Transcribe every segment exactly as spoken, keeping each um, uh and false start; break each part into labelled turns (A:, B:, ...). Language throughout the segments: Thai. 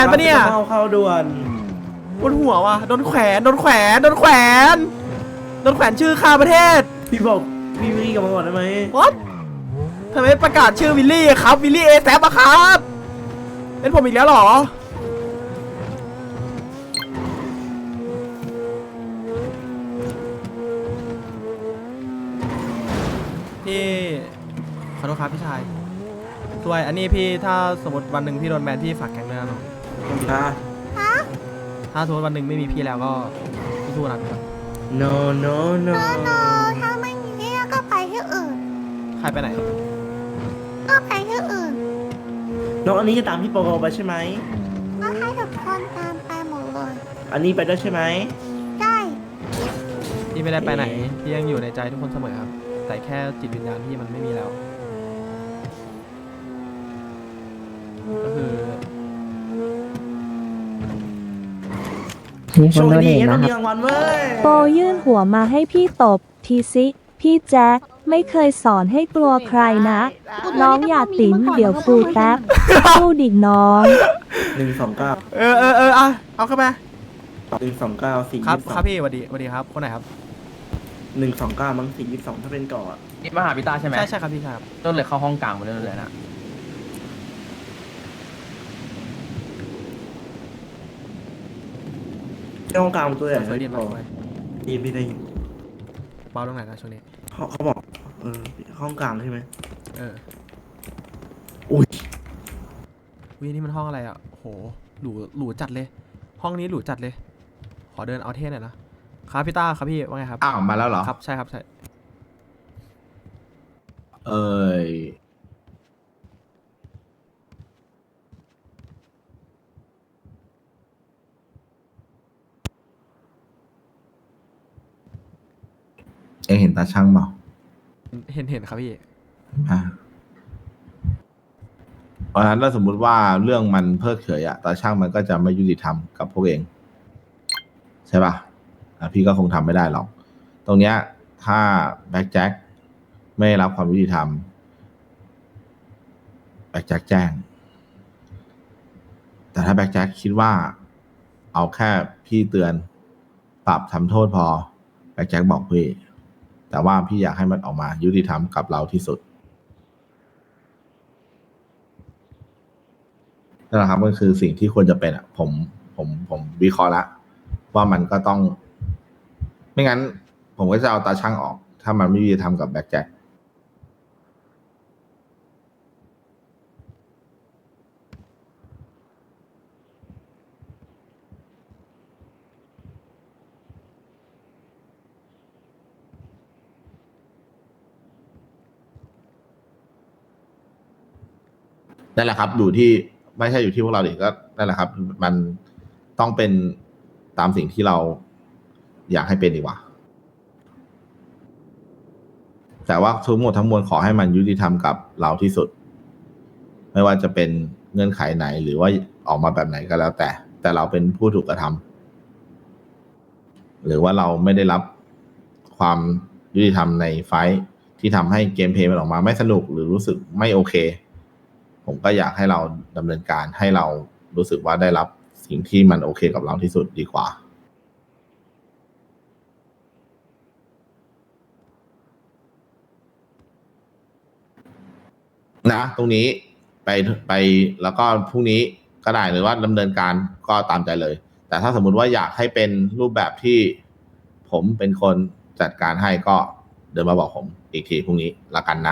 A: นปะเนี่ย
B: เข้าเข้าด่วน
A: บนหัวว่ะโดนแขวนโดนแขวนโดนแขวนโดนแขวนชื่อข้าประเทศ
B: พี่บอกพี่วิ่งกลับมาก่อนได้ไหม
A: What ทำไมประกาศชื่อวิลลี่ครับวิลลี่เอแซปอะครับเป็นผมอีกแล้วเหรอพี่ขอโทษครับพี่ชายช่วยอันนี้พี่ถ้าสมมติวันหนึ่งพี่โดนแบนพี่ฝากแก๊งด้วยนะน้อง
B: ฮะ
A: ถ้าสมมติวันหนึ่งไม่มีพี่แล้วก็สู้ๆนะพี่
B: no no no
C: โนถ้าไม่มีที่ก็ไปที่อื่น
A: ใครไปไหน
C: ก็ไปที่อื่น
B: น้องอันนี้จะตามพี่โปโกไปใช่ไหม
C: ก็ให้ทุกคนตามไปหมดเลย
B: อันนี้ไปด้วยใช่ไหม
C: ได้
A: พี่ไม่ได้ไปไหนพี่ยังอยู่ในใจทุกคนเสมอครับแต่แค่จิตวิญญาณพี่มันไม่มีแล้วก็คือ
D: มีค
B: โช
D: น
B: ค
D: โดเน
B: ดี
D: ท
B: ต้อ
D: นะ
B: ง
D: ค
B: มี
D: รับ
B: รางวัลเว้ย
E: โปยื่นหัวมาให้พี่ตบทีซิพี่แจ็คไม่เคยสอนให้กลัวใครนะ น้องอย่าติ๋มเดี๋ยวครูแท็บสู้ดิกน้อง
B: หนึ่งสองเก้า
A: เออเออเอออ่ะเอาเข้ามา
B: หนึ่งสองเก้าสี่
A: ครับ
B: ยี่สิบส
A: ค
B: อ
A: รับ
B: ง
A: พี่สวัสดีสวัสดีครับคนไหนครับ
B: หนึ่งสองเก้ามั้งสี่ยี่สิบสองถ้าเป็นก่อน
F: นี่มาหาพี่ตาใช่ไหม
A: ใช่ใช่ครับพี่ครับ
F: ต้นเลยเข้าห้องกลางมาเรื่อยๆนะ
B: ช่องกลางตัวใหญ่
A: สวยดีมากเลย
B: ดีไม่ได้ยิน
A: เบาลงไหนอยนะช่วงนี้
B: เขาเขาบอกเออห้องกลางใช่ไหม
A: เออ
B: อุ้ย
A: วินี่มันห้องอะไรอ่ะโหหรูหรูจัดเลย ห้องนี้หรูจัดเลย ขอเดินเอาเท่หน่อยนะครับพี่ต้าครับพี่ว่าไงครับ
G: อ้าวมาแล้วเหรอ
A: ครับใช่ครับใช่
G: เอ้ยเอ็งเห็นตาช่างเปล่า
A: เห็นเห็นครับพี่
G: อ่ะเพราะฉะนั้นถ้าสมมุติว่าเรื่องมันเพิกเฉยอะตาช่างมันก็จะไม่ยุติธรรมกับพวกเอง ใช่ป่ะอ่ะพี่ก็คงทำไม่ได้หรอก ตรงเนี้ยถ้าแบ็คแจ็คไม่รับความยุติธรรมแบ็คแจ็คแจ้ง แต่ถ้าแบ็คแจ็คคิดว่าเอาแค่พี่เตือนปรับทำโทษพอแบ็คแจ็คบอกพี่ แต่ว่าพี่อยากให้มันออกมายุติธรรมกับเราที่สุดนั่นแหละครับก็คือสิ่งที่ควรจะเป็นอ่ะ ผมผมผมวิเคราะห์ละว่ามันก็ต้อง ไม่งั้น ผมก็จะเอาตาช่างออก ถ้ามันไม่ยุติธรรมกับแบ็คแจ็คนั่นแหละครับอยู่ที่ไม่ใช่อยู่ที่พวกเราดิก็นั่นแหละครับ มันต้องเป็นตามสิ่งที่เราอยากให้เป็นดีกว่า แต่ว่าทั้งหมดทั้งมวลขอให้มันยุติธรรมกับเราที่สุด ไม่ว่าจะเป็นเงื่อนไขไหนหรือว่าออกมาแบบไหนก็แล้วแต่ แต่เราเป็นผู้ถูกกระทำหรือว่าเราไม่ได้รับความยุติธรรมในไฟท์ที่ทำให้เกมเพลย์มันออกมาไม่สนุกหรือรู้สึกไม่โอเค ผมก็อยากให้เราดำเนินการให้เรารู้สึกว่าได้รับสิ่งที่มันโอเคกับเราที่สุดดีกว่านะตรงนี้ไปไปแล้วก็พรุ่งนี้ก็ได้หรือว่าดำเนินการก็ตามใจเลย แต่ถ้าสมมุติว่าอยากให้เป็นรูปแบบที่ผมเป็นคนจัดการให้ก็เดินมาบอกผมอีกทีพรุ่งนี้ละกัน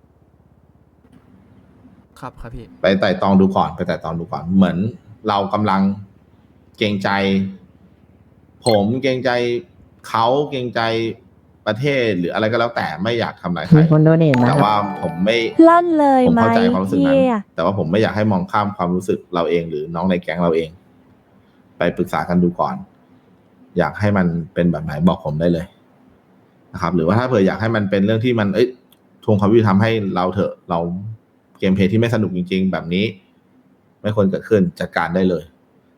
G: นะครับ
A: ครับพี่
G: ไปไต่ตองดูก่อนไปไต่ตองดูก่อนเหมือนเรากำลังเกรงใจ ผมเกรงใจเขาเกรงใจประเทศหรืออะไรก็แล้วแต่ไม่อยากทำอะไรใคร
D: มีคนโดเนทนะ
G: แต่
D: ครับ
G: ว่าผมไม่
E: ลั่นเลย
G: ผม
E: ไหม
G: เข้าใจความรู้สึกนั้น
E: เฮีย
G: แต่ว่าผมไม่อยากให้มองข้ามความรู้สึกเราเองหรือน้องในแก๊งเราเอง ไปปรึกษากันดูก่อน อยากให้มันเป็นแบบไหนบอกผมได้เลยนะครับ หรือว่าถ้าเผื่ออยากให้มันเป็นเรื่องที่มันเอ้ยทวงความยุติธรรมให้เราเถอะเราเกมเพลย์ที่ไม่สนุกจริงๆแบบนี้ ไม่ควรเกิดขึ้นจัดการได้เลย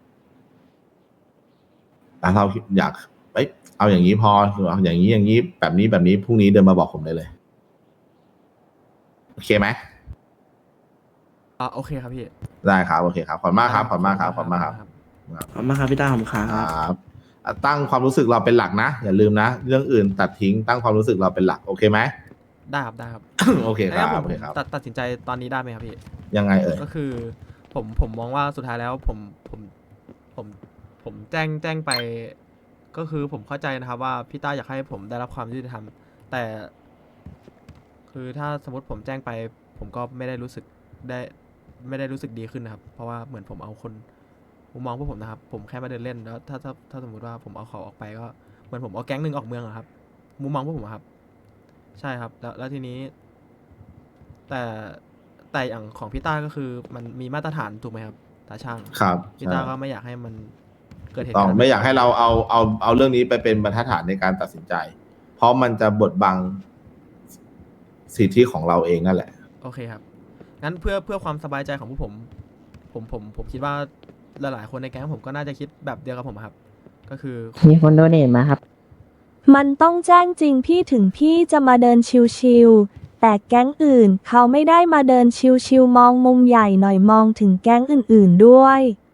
G: แต่เราอยากเอ้ยเอาอย่างนี้พอเอาอย่างนี้อย่างนี้แบบนี้แบบนี้พรุ่งนี้เดินมาบอกผมได้เลยโอเคไหม
A: อ่าโอเคครับพี่
G: ได้ครับโอเคครับขอบคุณมากครับขอบคุณมากครับขอบคุณมากครับ
B: ขอบคุณมากครับพี่ต้าผมครับ
G: ครับอ่ะตั้งความรู้สึกเราเป็นหลักนะ อย่าลืมนะ เรื่องอื่นตัดทิ้งตั้งความรู้สึกเราเป็นหลักโอเคไหม
A: ได้ครับได้ครับ
G: โอเคค
A: งั้
G: รั
A: น
G: บ
A: ผม
G: โอเคครับ
A: ตัดตัดสินใจตอนนี้ได้ไหมครับพี่
G: ยังไงเอ่ย
A: ก็คือผมผมมองว่าสุดท้ายแล้วผมผมผมผมแจ้งแจ้งไป ก็คือผมเข้าใจนะครับว่าพี่ต้าอยากให้ผมได้รับความยุติธรรมแต่ คือถ้าสมมติผมแจ้งไป ผมก็ไม่ได้รู้สึกได้ไม่ได้รู้สึกดีขึ้นนะครับ เพราะว่าเหมือนผมเอาคนมุมมองพวกผมนะครับ ผมแค่มาเดินเล่นแล้วถ้าถ้าถ้าสมมติว่าผมเอาเขาออกไปก็เหมือนผมเอาแก๊งหนึ่งออกเมืองอะครับ มุมมองพวกผมอะครับ ใช่ครับ แล้วแล้วทีนี้ แต่แต่อย่างของพี่ต้าก็คือมันมีมาตรฐานถูกไหมครับตาช่าง
G: ครับ
A: พี่ต้าก็ไม่อยากให้มันเกิดเหตุ
G: ต้อง
A: การณ์
G: ไม่อยากให้เราเอาเอาเอาเรื่องนี้ไปเป็นบรรทัดฐานในการตัดสินใจ เพราะมันจะบดบังสิทธิของเราเองนั่นแหละ
A: โอเคครับ งั้นเพื่อเพื่อความสบายใจของพวกผม ผมผมผมคิดว่าหลายๆคนในแก๊งผมก็น่าจะคิดแบบเดียวกับผมอะครับ ก็คือ
D: มีคนโดเนทมาครับ
E: มันต้องแจ้งจริงพี่ถึงพี่จะมาเดินชิวๆแต่แก๊งอื่นเขาไม่ได้มาเดินชิวๆมองมุมใหญ่หน่อยมองถึงแก๊งอื่นๆด้วย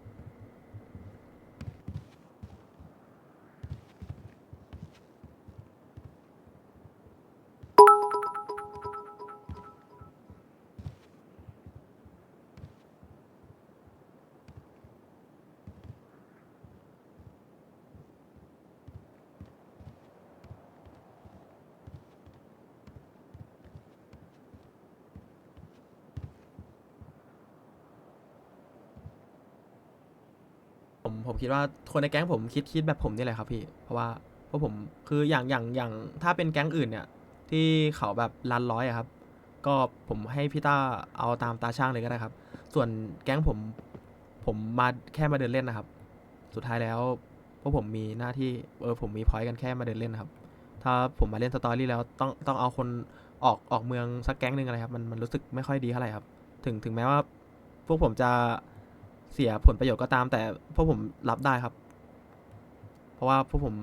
A: ผมผมคิดว่าคนในแก๊งผมคิดคิดแบบผมนี่แหละครับพี่ เพราะว่าเพราะผมคืออย่างอย่างอย่างถ้าเป็นแก๊งอื่นเนี่ย ที่เขาแบบรันร้อยอะครับ ก็ผมให้พี่ต้าเอาตามตาช่างเลยก็ได้ครับ ส่วนแก๊งผมผมมาแค่มาเดินเล่นนะครับ สุดท้ายแล้วพวกผมมีหน้าที่เออผมมีพอยต์กันแค่มาเดินเล่นนะครับ ถ้าผมมาเล่นสตอรี่แล้วต้องต้องเอาคนออกออกเมืองสักแก๊งหนึ่งอะไรครับมันมันรู้สึกไม่ค่อยดีเท่าไหร่ครับ ถึงถึงแม้ว่าพวกผมจะเสียผลประโยชน์ก็ตาม แต่พวกผมรับได้ครับ เพราะว่าพวกผม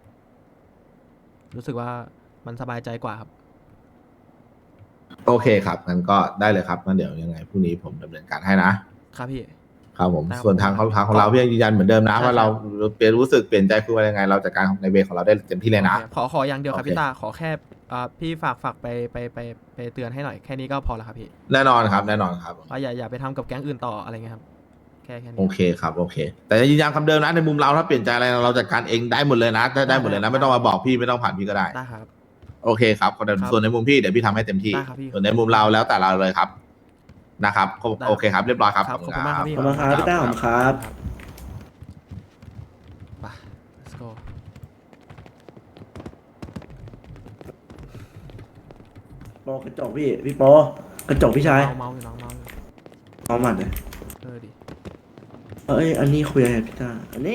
A: รู้สึกว่ามันสบายใจกว่าครับ
G: โอเคครับงั้นก็ได้เลยครับงั้นเดี๋ยวยังไงพรุ่งนี้ผมดำเนินการให้นะครับ
A: พี่
G: ครับผม
A: ได้ครับ
G: ส่วนทางของทางของเราพี่ยังยืนยันเหมือนเดิมนะ
A: ใช่
G: ว่าเรา
A: ครับ
G: เปลี่ยนรู้สึกเปลี่ยนใจคือว่ายังไง เราจัดการในเวของเราได้เต็มที่เลยนะ
A: โอเคขอขออย่างเดียวครับ
G: โอเค
A: พี่ตาขอแค่อ่าพี่ฝากฝากไปไปไปไปเตือนให้หน่อยแค่นี้ก็พอแล้วครับพี่
G: แน่นอนครับแน่นอนครับ
A: ว่าอย่าอย่าไปทำกับแก๊งอื่นต่ออะไรเงี้ยครับแค่แค่นี้
G: โอเคครับโอเค แต่ยืนยันคำเดิมนะในมุมเราถ้าเปลี่ยนใจอะไรเราจัดการเองได้หมดเลยนะได้ได้หมดเลยนะไม่ต้องมาบอกพี่ไม่ต้องผ่านพี่ก็ได้
A: ได้ครับ
G: โอเคครับ
A: ครับ
G: ส่วนในมุมพี่เดี๋ยวพี่ทำให้เต็มที่
A: ได้ครับพี่
G: ส่วนในมุมเราแล้วแต่เราเลยครับนะครับ
A: ได้
G: โอเคครับเรียบร้อยครับ
A: ครับขอบคุณมากครับพี่
B: ขอบคุณครับพี่ต้าผมครับ
A: ไป let's go
B: โปกระจกพี่พี่โปกระจกพี่ชาย
A: เมาเมาอยู่น้องเมาอยู่
B: เอาหมัดเลย
A: เออดิ
B: เอ้ยอันนี้คุยอะไรพี่ต้าอันนี้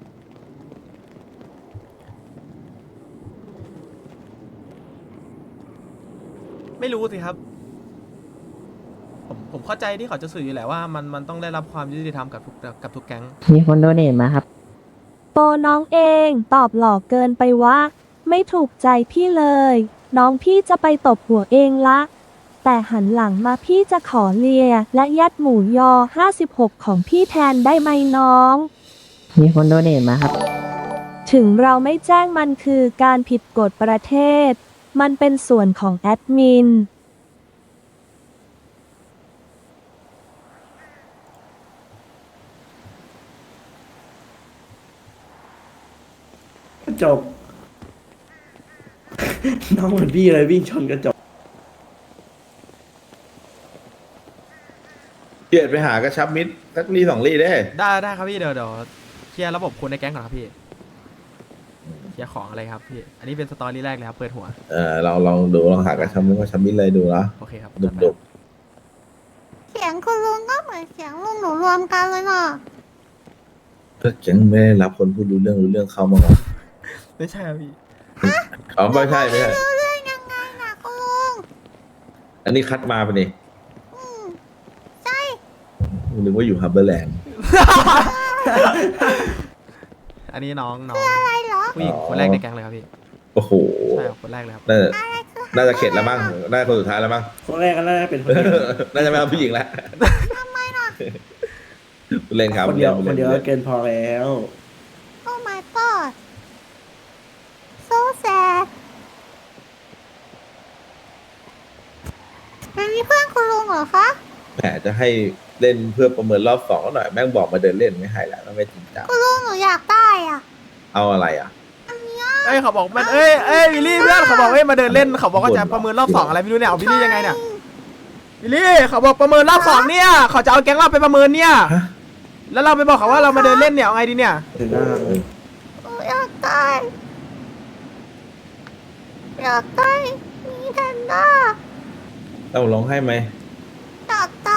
A: ไม่รู้สิครับ ผมผมเข้าใจที่เขาจะสื่ออยู่แหละว่ามันมันต้องได้รับความยุติธรรมกับทุกกับทุกแก๊ง
D: มีคนโดเนทมาครับ
E: โปน้องเองตอบหลอกเกินไปวะไม่ถูกใจพี่เลย น้องพี่จะไปตบหัวเองละ แต่หันหลังมาพี่จะขอเลีย และยัดหมูยอห้าสิบหกของพี่แทนได้ไหมน้อง
D: มีคนโดเนทมาครับ
E: ถึงเราไม่แจ้งมันคือการผิดกฎประเทศ มันเป็นส่วนของแอดมิน
B: กระจก น้องเหมือนพี่เลยวิ่งชนกระจก
G: เกียรติไปหากระชับมิตรสักรีสองรีได้
A: ได้ได้ครับพี่เดี๋ยวเดี๋ยวเคลียร์ระบบคนในแก๊งก่อนครับพี่เคลียร์ของอะไรครับพี่ อันนี้เป็นสตอรี่แรกเลยครับเปิดหัว
G: เออเราลองดูลองหากระชับมิตรกระชับมิตรเลยดูนะ
A: โอเคครับ
G: ดุดุ
C: เสียงคุณลุงก็เหมือนเสียงลุงหนูรวมกันเลยน่ะ
G: ก็แก๊งไม่ได้รับคนพูดรู้เรื่องรู้เรื่องเข้ามาก่อน
A: ไม่ใช่ครับพี่
G: อ๋อไม่ใช่ไม่ใช่
C: เรื่องยังไงน่ะคุณลุง
G: อันนี้คัดมาปะนี่
C: อืมใช่
G: นึกว่าอยู่ฮับเบอร์แลนด์
A: อันนี้น้องน้อง
C: อะไรเหรอ
A: ผู้หญิงคนแรกในแก๊งเลยครับพี่
G: โอ้โห
A: ใช่ครับคนแรกเลยครับ
G: น่าจะ
C: อะไรคือ
G: น่าจะเข็ดแล้วมั้งน่าจะคนสุดท้ายแล้วมั้ง
B: คนแรกก็น่าจะเป็นคนที่
G: น่าจะไม่เอาผู้หญิงแล้ว
C: ทำไมล่ะ
G: เล่นครับ
B: คนเดียว
G: ล่
B: คนเดียว
G: ล่
B: ก็เกินพอแล้ว
C: โอ้ my god so sad เป็นเพื่อนคุณลุงเหรอคะ
G: แหมจะให้เล่นเพื่อประเมินรอบสองหน่อยแม่งบอกมาเดินเล่นไม่ให้แล้วไม่จริงจัง
C: คุณลุงหนูอยากได้อ่ะ
G: เอาอะไรอ่ะ
A: เอ้ยเขาบอกมันเอ้ยเอ้ยวิลลี่เพื่อนเขาบอกเอ้ยมาเดินเล่นเขาบอกว่าจะประเมินรอบสองอะไรไม่รู้เนี่ยเอาวิลลี่ยังไงเนี่ยวิลลี่เขาบอกประเมินรอบสองเนี่ยเขาจะเอาแก๊งเราไปประเมินเนี่ย
G: ฮะ
A: แล้วเราไปบอกเขาว่าเรามาเดินเล่นเนี่ยเอาไงดีเนี่ย
B: ถึงหน้า
C: หนูอยากได้อยากได้มีแพนด้า
G: ต้องร้องให้ไหม
C: อยากได้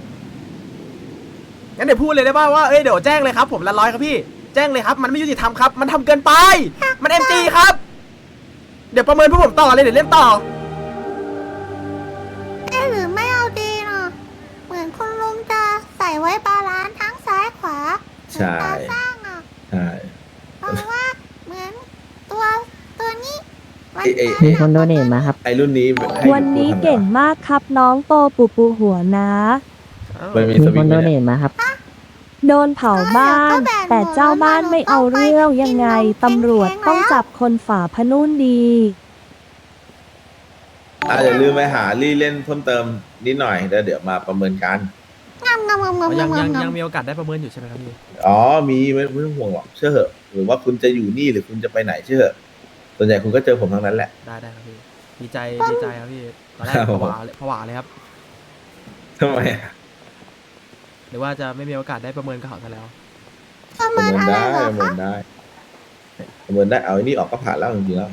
A: งั้นเดี๋ยวพูดเลยได้ป่าวว่าเอ้ยเดี๋ยวแจ้งเลยครับผมละร้อยครับพี่แจ้งเลยครับมันไม่ยุติธรรมครับมันทำเกินไปมันเอ็มจีครับเดี๋ยวประเมินพวกผมต่อเลยเดี๋ยวเล่นต่อ
C: เอ๊ะหรือไม่เอาดีเนาะเหมือนคุณลุงจะใส่ไว้บาลานซ์ทั้งซ้ายขวา
G: ใช่
C: เหมือนตาสร้างอ่ะ
G: ใช่
C: เพราะว่าเหมือนตัวตัวนี้มัน
G: ไอ้ไอ้
D: มีคนโดเนทมาครับ
G: ไอ้รุ่นนี้ให้
E: วันนี้
G: กูทำไ
E: เก่งมากครับน้องโตปูปูหัวนะ
G: มันมี
D: มี
G: ส
D: ค
G: วิง
D: น
G: ไหม
D: โดเน
G: เนี่ย
D: ทมาครับ
E: โดนเผาบ้าน แต่เจ้าบ้านไม่เอาเรื่องยังไงตำรวจต้องจับคนฝ่าพนุ่นดี
G: อ่ะอย่าลืมไปหาลี่เล่นเพิ่มเติมนิดหน่อยแล้วเดี๋ยวมาประเมินกัน
C: งามงามงามงาม
A: ยัง
C: งา
A: ยั
C: ม
A: ง
C: งา
A: ยั
C: ม
A: งมีโอกาสได้ประเมินอยู่ใช่ไหมครับพี่
G: อ๋อมีไม่ไม่ต้องห่วงหรอกเชื่อเหอะหรือว่าคุณจะอยู่นี่หรือคุณจะไปไหนเชื่อเหอะส่วนใหญ่คุณก็เจอผมทั้งนั้นแหละ
A: ได้ได้ครับพี่ดีใจดีใจครับพี่ตอนแรก
G: ครับ
A: ผวาเลยผวาเลยครับ
G: ทำไมอ่ะ
A: หรือว่าจะไม่มีโอกาสได้ประเมินกับเขาซะแล้ว
C: ประ
G: ประ
C: เมิน
G: เมิน
C: อะไร
G: ได้
C: เหรอ
G: ประเมิ
C: คะ
G: นได้ประเมินได้เอาไอ้นี่ออกก็ผ่านแล้วจริงๆแล้ว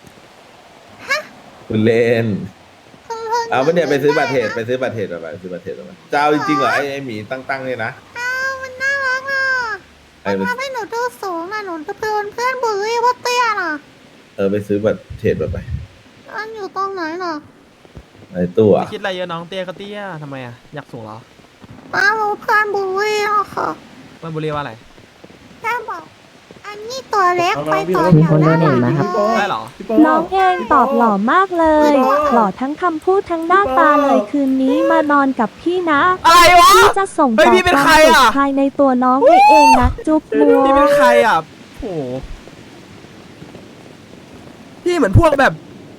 G: คุณเล่น
C: คุณลุง
G: เอาไปเนี่ยไปซื้อบัตรเทรดไปซื้อบัตรเทรดไปซื้อบัตรเทรดมาจะเอาจริงๆเหรอไอ้ไอ้หมีตั้งๆเนี่ยนะ
C: อ้าวมันน่ารักอ่ะ
G: ไอ้
C: มัน
G: ไป
C: ทำให้หนูดูสูงอ่ะหนูจะเป็นเพื่อนบุลลี่ว่าเตี้ยน่ะ
G: เออไปซื้อบัตรเทรดไป
C: มันอยู่ตรงไหนน่ะ
G: ไอ้ตู้
A: ไม่
G: อ่ะ
A: คิดอะไรเยอะน้องเตี้ยก็เตี้ยทำไมอ่ะอยากสูงเหรอ
C: มารู้เพื่อนบุลลี่อ่ะค่ะ
A: เพื่อนบุรีว่าอะไร
C: แค่บอก อันนี้ตัวเล็กไปต่อ
D: มี
C: แถ
D: ค
C: วน ห
D: โด
C: น้า
D: เนทมาครับ
A: ได้เหรอ
B: พี่โป
E: น้องเองตอบหล่อมากเลย หล่อทั้งคำพูดทั้งหน้าตาเลยคืนนี้มานอนกับพี่นะ
A: อะไรวะ
E: พี่จะส่ง
A: เฮ้ย
E: ต่อ
A: พี่เป็น
E: ความ
A: ใคร
E: สุข
A: อะ
E: ภายในตัวน้องให้เองนะ จุ๊บมัว
A: พี่เป็นใครอ่ะโอ้โหพี่เหมือนพวกแบบ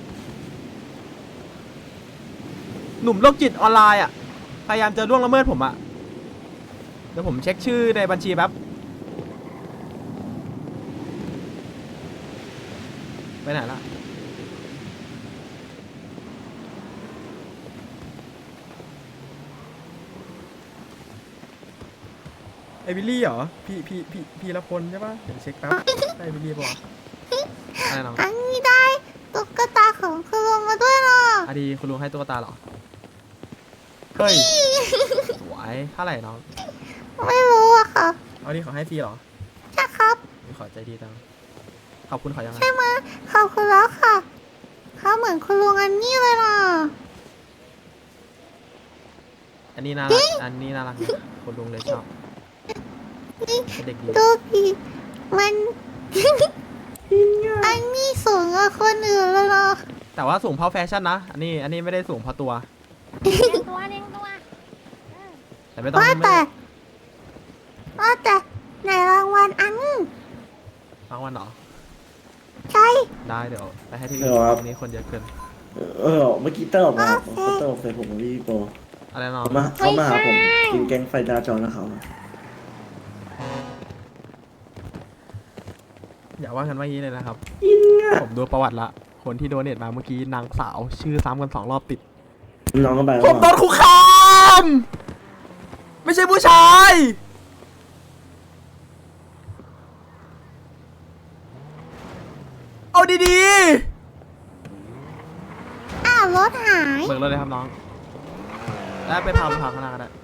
A: หนุ่มโรคจิตออนไลน์อ่ะพยายามจะล่วงละเมิดผมอ่ะเดี๋ยวผมเช็คชื่อในบัญชีแป๊บไปไหนละไอวิลลี่เหรอ พี่พี่พี่พี่ละพลใช่ปะเดี๋ยวเช็คแป๊บไอวิลลี่ปะวะอะไรน้อง
C: อันนี้ได้ตุ๊กตาของคุณลุงมาด้วยเนาะ
A: อดีคุณลุงให้ตุ๊กตาเหรอ เฮ้ยสวยเท่าไหร่น้อง
C: ไม่รู้อะค่ะ
A: เอาดีขอให้ฟรีเหรอ
C: ใช่ครับ
A: ขอใจดีจังขอบคุณขอยังไง
C: ใช่ไหมขอบคุณแล้วค่ะ เขาเหมือนคุณลุงอันนี้เลยนะ
A: อันนี้น่ารักอันนี้น่ารักนะคุณลุงเลยชอบ
C: นี่
A: เป็นเด็กดี
C: ดูดิมัน อันนี้สูงกว่าคนอื่นเลยเนาะ
A: แต่ว่าสูงเพราะแฟชั่นนะ อันนี้อันนี้ไม่ได้สูงเพราะตัว
C: ตัวเด้งตัว
A: แต่ไม่ต้อง
C: ว่า
A: ไม่
C: แต่ว่าแต่ในรางวัลอัน
A: ฟังวันเหรอ
C: ใช่
A: ได้เดี๋ยวไปให้ที่
B: เดี๋ยวครับ
A: ตรงนี้คนเยอะเกิน
B: เออเมื่อกี้เตอร์ออกมาเขาเตอร์ออกใส่ผมกับพี่โป
A: อะไรน้อง
B: เขามาเขามาหาผมกินแกงไฟดาจอนนะเขา
A: อย่าว่ากันว่างี้เลยนะครับ ผมดูประวัติละ คนที่โดเนทมาเมื่อกี้นางสาว ชื่อซ้ำกันสองรอบติด
B: น้องก็ไป
A: ผมโดนคุกคาม ไม่ใช่ผู้ชาย เอาดี
C: อ้าวรถหาย
A: ๆ เบิกรถเลยครับน้อง แล้วไปพาไปพาข้างหน้าก็ได้